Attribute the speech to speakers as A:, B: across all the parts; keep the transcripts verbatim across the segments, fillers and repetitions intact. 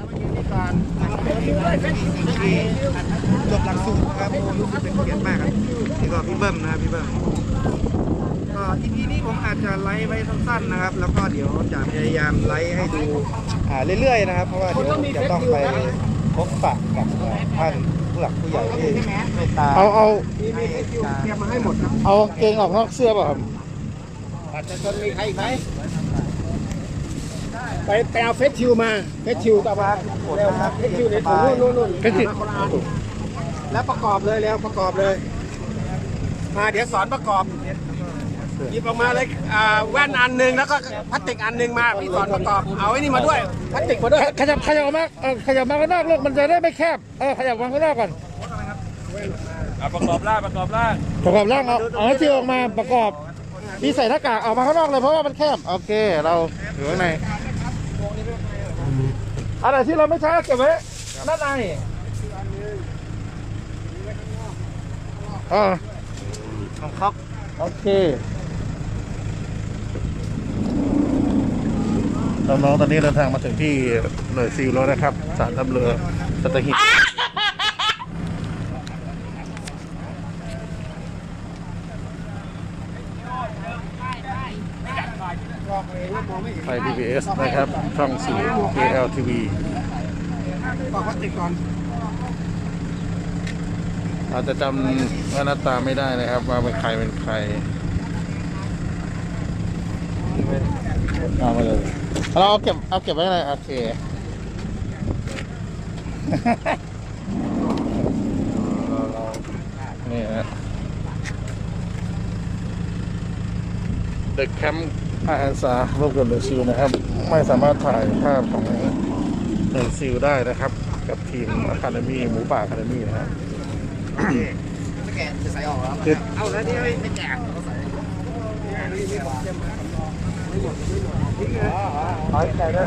A: จบหลักสูตรนะครับรู้สึกเป็นเกียรติมากครับนี่ก็พี่เบิ้มนะครับพี่เบิ้มก็อีพีนี้ผมอาจจะไลฟ์ไว้สั้นๆนะครับแล้วก็เดี๋ยวจะพยายามไลฟ์ให้ดูอ่าเรื่อยๆนะครับเพราะว่าเดี๋ยวจะต้องไปพบปะกับท่านผู้หลักผู้ใหญ่ที่เมตตา
B: เอาเอา
A: ให้เตรียมมาให้หมดครับ
B: เอาเกงออกนอกเสื้อป่ะครับ
C: อาจจะจนมีใครอีกไหมไปไปเอาเฟสชิลมาเฟสชิลต่อมาเร็วครับเฟสชิลในถุงนู่นนู่น
B: ก็จิ
C: แล้วประกอบเลยแล้วประกอบเลยมาเดี๋ยวสอนประกอบหยิบออกมาเลยอ่าแว่นอันหนึ่งแล้วก็พลาสติกอันหนึ่งมาพี่สอนประกอบเอาไอ้นี่มาด้วยพลาสติกมาด้วย
B: ขยับขยับออกมาเออขยับมาข้างนอกลูกมันจะได้ไม่แคบเออขยับมาข้างนอกก่อน
D: ประกอบร่างประกอบร่าง
B: ประกอบร่างเอาเอาที่ออกมาประกอบที่ใส่หน้ากากออกมาข้างนอกเลยเพราะว่ามันแคบโอเคเราอยู่ข้างในอะไรที่เราไม่ใช้เก็บไว้ด้านในอ๋อ
A: ของเขา
B: โอเคน้องๆตอนนี้เดินทางมาถึงที่หน่วยซิลแล้วนะครับสารทัพเรือสัตหีบไทย พี บี เอส นะครับช่องสี่ เค แอล ที วี
C: บอกพลาสติกก่อน
B: อาจจะจำว่าหน้าตาไม่ได้นะครับว่าเป็นใครเป็นใครเอามาเลยเราเอาเก็บเอาเก็บไว้เลยโอเค นี่ฮะเด็กแคมป์อาสาร่วมกับหน่วยซิลนะครับ ไม่สามารถถ่ายภาพของหน่วยซิลได้นะครับ กับทีมอะคาเดมี่หมูป่าอะคาเดมี่นะฮะ
A: ไม่แกะจะใส่ออกแล้ว
B: คือ
A: เอาแล้วนี่ไม่แกะใส่
B: ร้อยใจได้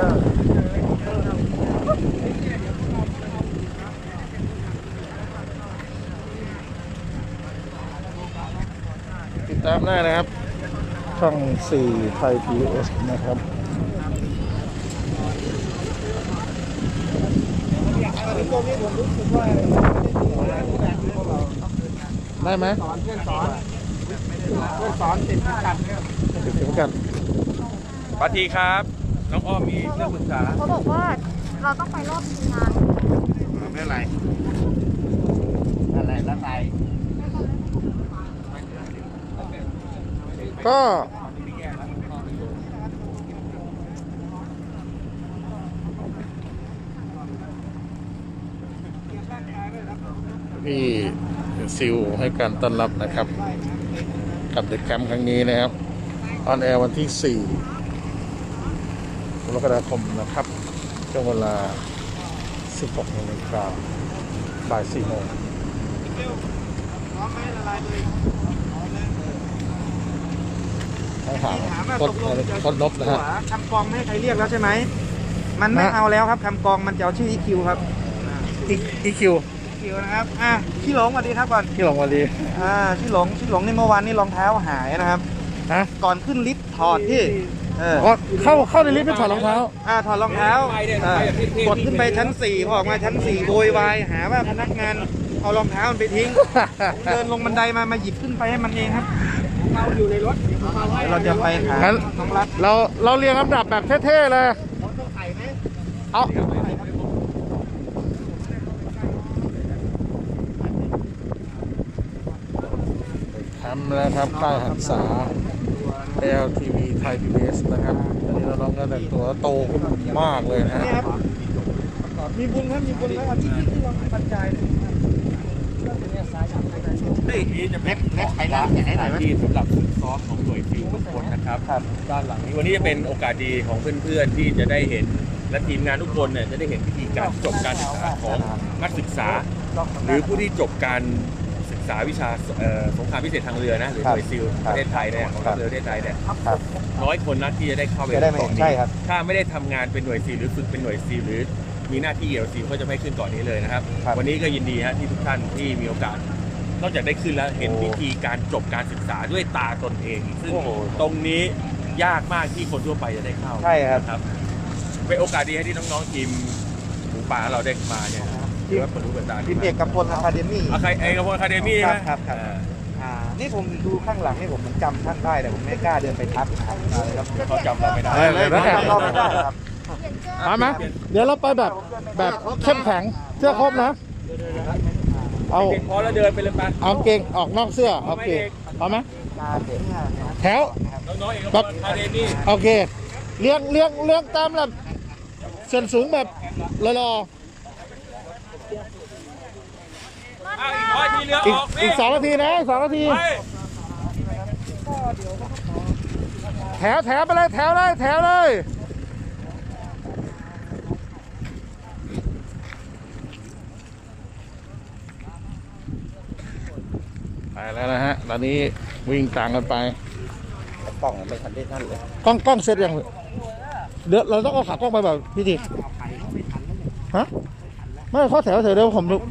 B: ติดตามได้นะครับ ช่องสี่ไทย พี บี เอส นะครับได้ไหม
C: สอนเพื่อนสอนเพื่อนสอนติดกัน
B: ติดเข็มกัน
D: ปาทีครับ น้องอ้อมมีเรื่องปรึกษา
E: เขาบอกว่าเราต้องไปรอบทีมงาน
A: ไม่เป็นไรอะไรแล้วไป
B: ก็พี่ซิลให้การต้อนรับนะครับ กับเด็กแคมป์ครั้งนี้นะครับออนแอร์วันที่สี่กรกฎาคมนะครับช่วงเวลาสิบหกนาฬิกาบ่ายสี่โมงให้ถาม
A: ถามว่า
B: ค
A: ต
B: น
A: กลงจะ
B: คนลบนะฮะ
A: คำกองไม่ให้ใครเรียกแล้วใช่ไหมมันไม่
B: ฮะ
A: เอาแล้วครับคำกองมันจะเอาชื่อ อี คิว ครับ
B: อีคิว
A: อี คิว นะครับอ่ะพี่หลงสวัสดีครับก่อน
B: ที่หลงวันดี
A: อ่าพี่หลงพี่หลงในเมื่อวานนี้รองเท้าหายนะครับ
B: ฮะ
A: ก่อนขึ้นลิฟต์ถอดพี่เออ
B: อ๋อเข้าเข้าในลิฟต์ไปถอดรองเท้า
A: อ่าถอดรองเท้าอ่ากดขึ้นไปชั้นสี่พอออกมาชั้นสี่โวยวายหาว่าพนักงานเอารองเท้ามันไปทิ้งผมเดินลงบันไดมามาหยิบขึ้นไปให้มันเองครับ
C: เราอยู่ในรถ
A: เดี๋ยวเราจะไปหา
B: งั้น
A: น้องรัฐ
B: เราเราเรียงลำดับแบบเท่ๆเลยเอาทำแล้วครับค่ายหันษา แอล ที วี ไทย พี บี เอส นะครับตอนนี้เราลองกันแต่งตัวโตขึ้นมากเลยนะฮะ
A: นี่ครับมีบุญครับมีบุญแล้ววันที่ที่เราบรรยายเนี่ย
D: นี่จะเป็นเล็กไปแล้วสถานที่สำหรับฝึกซ้อมของหน่วยซิลทุกคนนะครับด้านหลังนี้วันนี้จะเป็นโอกาสดีของเพื่อนๆที่จะได้เห็นและทีมงานทุกคนเนี่ยจะได้เห็นวิธีการจบการศึกษาของนักศึกษา หรือผู้ที่จบการศึกษาวิชาเอ่อสงครามพิเศษทางเรือนะหรือหน่วยซิลประเทศไทยเนี่ยของทัพเรือประเทศไทยเนี่ยน้อยคนนะที่จะได้เข้าไป
A: จะได้ไหม
D: เกาะ
A: ใช่
D: นี้
A: ครับ
D: ถ้าไม่ได้ทำงานเป็นหน่วยซิลหรือฝึกเป็นหน่วยซิลหรือมีหน้าที่เกี่ยวกับซิลก็จะไม่ขึ้นเกาะนี้เลยนะครับ วันนี้ก็ยินดีฮะที่ทุกท่านที่มีโอกาส นอกจากได้ขึ้นแล้วเห็นวิธีการจบการศึกษาด้วยตาตนเอง ซึ่งตรงนี้ยากมากที่คนทั่วไปจะได้เข้า
A: ใช่ครับ
D: นะครับเป็นโอกาสดีให้ที่น้องๆทีมหมูป่าเราได้มาเนี่ยถือว่าเปิดรูปเปิดตา
A: ทีมเอกกับพลอะคาเดมี่
D: อะใครเอกพลอะคาเดมี่ใช่ไหม
A: ครับครับ อ่านี่ผมดูข้างหลังนี่ผมจำท่านได้แต่ผมไม่กล้าเดินไปทักนะครับครับ
D: เขาจำเราไม่ได้
B: เออเลยนะ
A: จำเราไม่ได้ครับ
B: เอาไหมเดี๋ยวเราไปแบบแบบเข้มแข็งเสื้อครบนะ เอา
D: เด็กพอแล้วเดินไปเลยไป
B: เอาเกงออกนอกเสื้อโอเคเอาไหมแถว
D: น้องๆเอกพลอะคาเดมี่
B: โอเคเลี้ยงเลี้ยงเลี้ยงตามแบบส่วนสูงแบบรอ
D: อ้าวอีกร้อยทีเรือ
B: ๆ
D: อ
B: อีก
D: อก
B: อีกสองนาทีนะสองนาที
D: ไป
B: แถวแถวไปเลยแถวเลยแถวเลยไปแล้วนะฮะตอนนี้วิ่งต่างกันไป
A: กล่องไม่ทันได้ท่านเลย
B: กล้องกล้องเสร็จยังเดี๋ยวเราต้องเอาขากล้องไปแบบพี่ทีฮะไม่ข้อแถวเถอะเดี๋ยวผมดู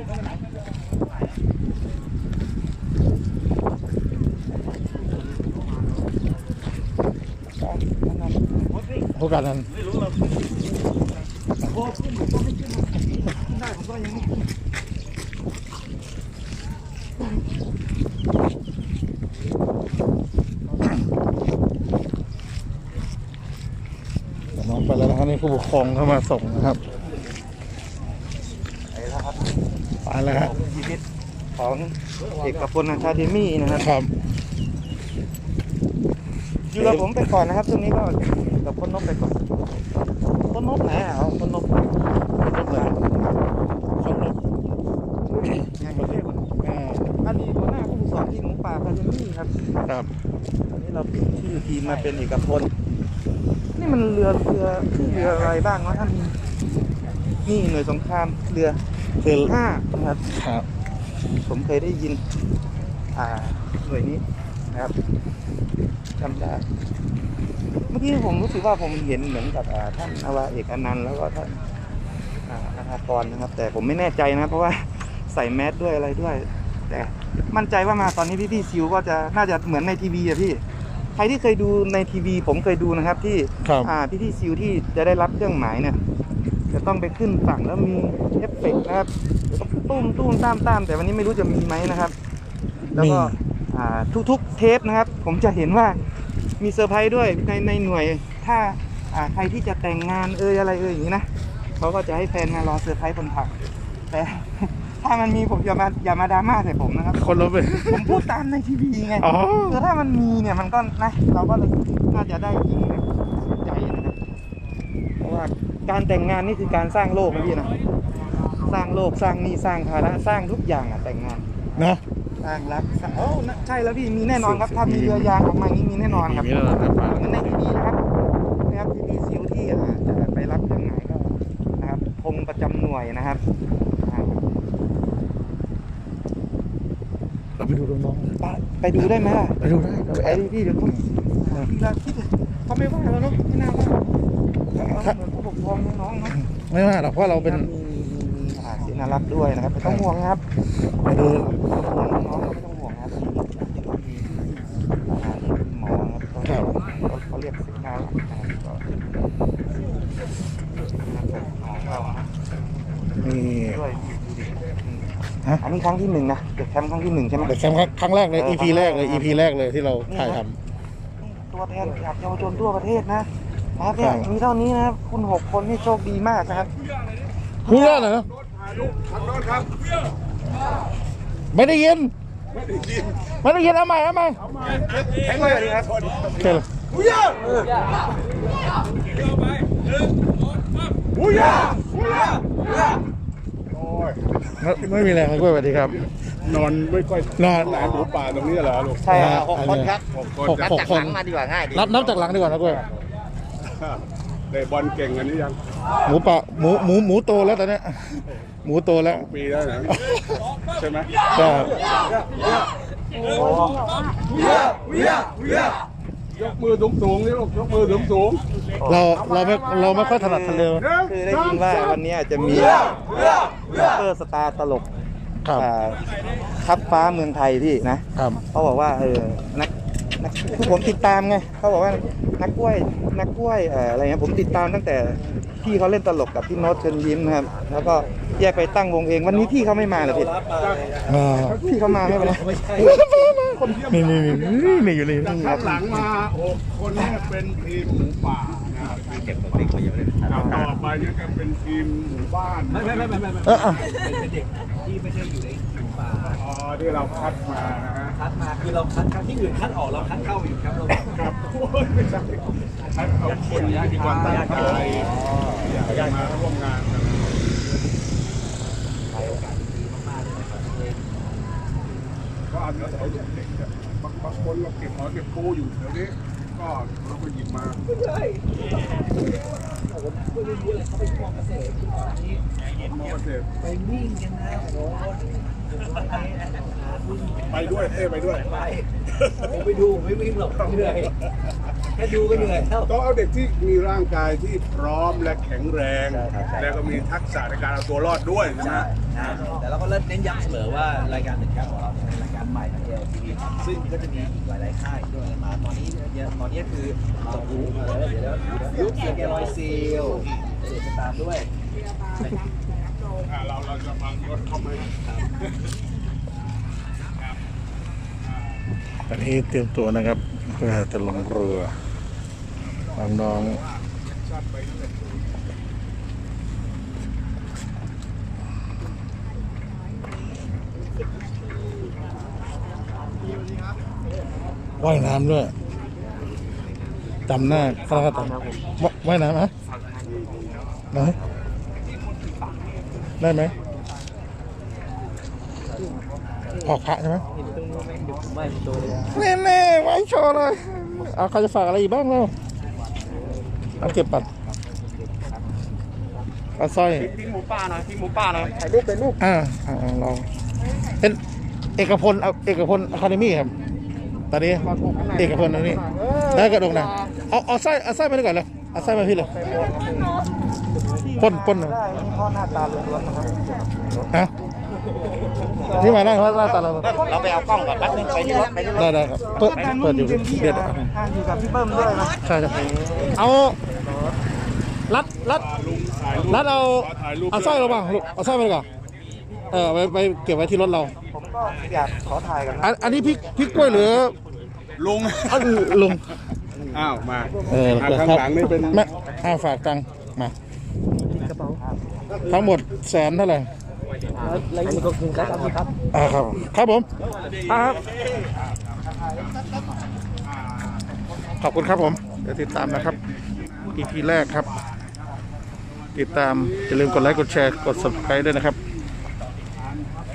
B: โอกาสนั้นน้องไปแล้วนะครับนี่ผู้ปกครองเข้ามาส่งนะครับไปแล้วครับ
A: ชีวิตของเอกพลอะคาเดมี่นะครับ
B: ครับ
A: อยู่กับผมไปก่อนนะครับช่วงนี้ก็กับคนนกไปก่อนคนนกไหนอ่ะเอาคนนก
B: คนรถเลยคนรถ
A: ยังไม่เรียกมันอดีตหัวหน้าผู้ฝึกสอนทีมหมูป่าอะคาเดมี่ครับ
B: ครับ
A: ตอนนี้เราเปลี่ยนชื่อทีมมาเป็นเอกพลนี่มันเรือเรือชื่อเรืออะไรบ้างวะท่านนี่หน่วยสงครามเรือ
B: คือ
A: ห้านะครับ
B: ครับ
A: ผมเคยได้ยินอ่าหน่วยนี้นะครับจำได้เมื่อกี้ผมรู้สึกว่าผมเห็นเหมือนกับอ่าท่านอาวาเอกอนันต์แล้วก็ท่านอ่าอาภากรนะครับ แต่ผมไม่แน่ใจนะครับเพราะว่าใส่แมสด้วยอะไรด้วย แต่มั่นใจว่ามาตอนนี้พี่พี่ๆซิวก็จะน่าจะเหมือนในทีวีอะพี่ใครที่เคยดูในทีวีผมเคยดูนะครับที่
B: ครับ
A: อ่าพี่พี่ๆซิวที่จะได้รับเครื่องหมายเนี่ยจะต้องไปขึ้นฝั่งแล้วมีเอฟเฟกต์นะครับตุ้มตุ้มตามตามแต่วันนี้ไม่รู้จะมีไหมนะครับ แล้วก็อ่าทุกๆเทปนะครับ ผมจะเห็นว่ามีเซอร์ไพรส์ด้วยในในหน่วยถ้าอ่าใครที่จะแต่งงานเอ่ยอะไรเอ่ยอย่างนี้นะเขาก็จะให้แฟนมารอเซอร์ไพรส์บนผักแต่ ถ้ามันมีผมอย่ามาอย่ามาดราม่าใส่ผมนะครับ
B: คนรถไป
A: ผมพูดตามในทีวีไง
B: อ๋อ
A: คือถ้ามันมีเนี่ยมันก็นะเราก็เลยน่าจะได้ยินแบบสุดใจนะครับเพราะว่าการแต่งงานนี่คือการสร้างโลกนะพี่นะสร้างโลกสร้างหนี่สร้างภาระสร้างทุกอย่างอ่ะแต่งงาน
B: นะ
A: สร้างรักสร้างโอ้นะใช่แล้วพี่มีแน่นอนครับถ้ามีเรือยางออกมาอย่างนี้มีแน่นอนครับ
B: มีแล้วนะครับ
A: เหมือนในทีวีนะครับนะครับทีวีซิลที่อ่าจะไปรับเครื่องหมายก็นะครับธงประจำหน่วยนะครับอ่า
B: เราไปดูน้อง
A: ไปไปดูได้ไหมล่ะ
B: ๆไปดูได้เราไป
A: ไป
B: แอบ
A: ดิพี่เดี๋ยวเขาพี่ละคิดเลยเขาไม่ว่าเราเนาะไม่น่าว่าเราเหมือนผู้ปกครองน้องๆเนาะ
B: ไม่ว่าหรอกเพราะเราเป็น
A: มีมีมีอาเสียนารักด้วยนะครับไม่ต้องห่วงครับ
B: ไปดู
A: ห่วงน้องๆไม่ต้องห่วงครับมีมีอ่านี่เป็นหมอนะครับเขาเขาเรียกเสียนารักนะครับก็ของเรานะ
B: นี่
A: ด้วย
B: ฮะ
A: อันนี้ครั้งที่หนึ่งนะเด็กแคมป์ครั้งที่หนึ่งใช่ไหม
B: เด็กแคมป์ครั้งแรกเลย อี พี แรกเลย อี พี แรกเลยที่เราถ่ายท
A: ตัวแทนจากเยาวชนทั่วประเทศนะนะครับเนี่ย
B: ครับ
A: มีเท่านี้นะครับคุณหกคนนี่โชคดีมากนะครับ
B: ำรู้เรื่องเหรอไม่ได้ยิน ไม่ได้ยินเอาใหม่เอาใหม่
A: แข็งเลยครับ
B: โอเคเลยไม่ไม่มีแรงเลยกล้วยสวัสดีครับ
F: นอนไม่ค่อย
B: นอน
F: หลายหมูป่าตรงนี้เหรอลูก
A: ใช่ครับหกคนครับ
F: หกคน
B: หกหกคน
A: มาดีกว่าง่ายดี
B: นับนับจากหลังดีกว่านะกล้วย
F: ได้บอลเก่งกันนี้ยัง
B: หมูป่าหมูหมูหมูโตแล้วตอนเนี้ยหมูโตแล้ว
F: ปีแล้วนะใช่ไหม
B: ใช่
F: ยกมือสูงสูงๆนี่ลูกยกมือสูงสูง
B: เราเราไม่เราไม่ค่อยถนัดทะเล
A: คือได้ยินว่าวันนี้จะมีซูเปอร์สตาร์ตลก
B: ครับ
A: อ่าทัพฟ้าเมืองไทยพี่นะครับ เขาบอกว่าเออนักคือผมติดตามไงเขาบอกว่านักกล้วยนักกล้วยเอ่ออะไรเงี้ยผมติดตามตั้งแต่พี่เขาเล่นตลกกับพี่โน้ตเชิญยิ้มนะครับแล้วก็แยกไปตั้งวงเองวันนี้พี่เขาไม่มาเหรอพี่
B: อ่า
A: พี่เขามาไม่เป็นไร
B: มีมีมีมีมีอยู่นี่
F: ข้างหลังมาหกคนแรกเป็นทีมหมูป่านะครับเก็บตัวเด็กมาเยอะเลยต่อไปเนี่ยก็เป็นทีมหมู่บ้านไม่ไม่ไม่ไม่
B: เอออ่ะ
C: เป็นเด็กที่ไม่ใช่อยู่ในหมู่ป่า
F: อ๋อที่เราคัดมานะฮะ
C: คัดมาคือเราคัดครั้งที่อื่นคัดออกเราคัดเข้าอยู่ครับเรา
F: ครับโอ้ยไม่ใช่คัดเอาคนที่ความตั้งใจอยากจะมาร่วมงานกัน ก็อาจจะเอาเด็กเนี่ยบางบางคนเราเก็บหอยเก็บปูอยู่แถวนี้ก็เราก็หยิบมามอเกษตร
C: ไปวิ่งกันนะโอ้โห
F: ไปด้วยเอ้ไปด้วย
C: ไปผมไปดูไม่วิ่งหรอกเหนื่อยแค่ดูก็เหนื่อยแล้ว
F: ต้องเอาเด็กที่มีร่างกายที่พร้อมและแข็งแรง และก็มีทักษะในการเอาตัวรอดด้วยใช่ไหม
C: แต่เราก็เน้นย้ำเสมอว่ารายการหนึ่งครับของเราเป็นรายการใหม่ของ เอ แอล ที วี ซึ่งก็จะมีอีกหลายๆค่ายด้วยมาตอนนี้เนี่ยตอนนี้คือจบรู้มาแล้วเดี๋ยวเดี๋ยวเสียงแกลอยซีลเดี๋ยวจะตามด้วย
F: อ่าเราเราจะบังรถเข้ามา
B: ตอนนี้เตรียมตัวนะครับเพื่อจะลงเรือน้องๆว่ายน้ำด้วยจำหน้าข้าราชการว่ายน้ำไหมไหนได้ไหมออกพระใช่ไหม แน่แน่ๆไว้โชว์เลยเอาใครจะฝากอะไรอีกบ้างเราเอาเก็บปัดปลาสร้อย
C: พี่หมูป่าหน่อยพี่หมูป่าหน่อย
A: ถ่ายรูปเป็นรูป
B: อ่าอ่าเราเป็นเอกพลเอาเอกพลอะคาเดมี่ครับตอนนี้เอกพลตรงนี้ได้กระดกนะเอาเอาไส้เอาไส้มาดีกว่าเลยเอาไส้มาพี่เลยพ่นพ่นเลย
A: ได้นี่พ่อหน้าตาล้วนๆนะครับ
B: ฮะนี่มาได้เพราะหน้าตาเรา
A: เราไปเอากล้องก่อนแป๊บนึงไปที่รถไปที่รถ
B: ได้ได้ครับเปิดเปิดอยู่เดี๋ยว
A: อ่าอยู่กับพี่เบิ้มด้วยนะ
B: ใช่ใช่เอารัดรัดรัดเอาเอาสร้อยเราบ้างลูกเอาสร้อยไปดีกว่าเออไปไปเก็บไว้ที่รถเรา
A: ผมก็อยากขอถ่ายกันนะ
B: อันอันนี้พริกพริกกล้วยหรือ
F: ลุง
B: อันลุง
F: อ้าวมา
B: เออ
F: อ่าข้างหลังนี่เป็น
B: แม่ห้าฝากตังค์มาทั้งหมดแสนเท่าไหร่
C: แล้วนี่ก็คือครับครับ
B: อ่าครับครับผมครับขอบคุณครับผมเดี๋ยวติดตามนะครับ อี พี แรกครับ ติดตามอย่าลืมกดไลค์กดแชร์กด ซับสไครบ์ ด้วยนะครับ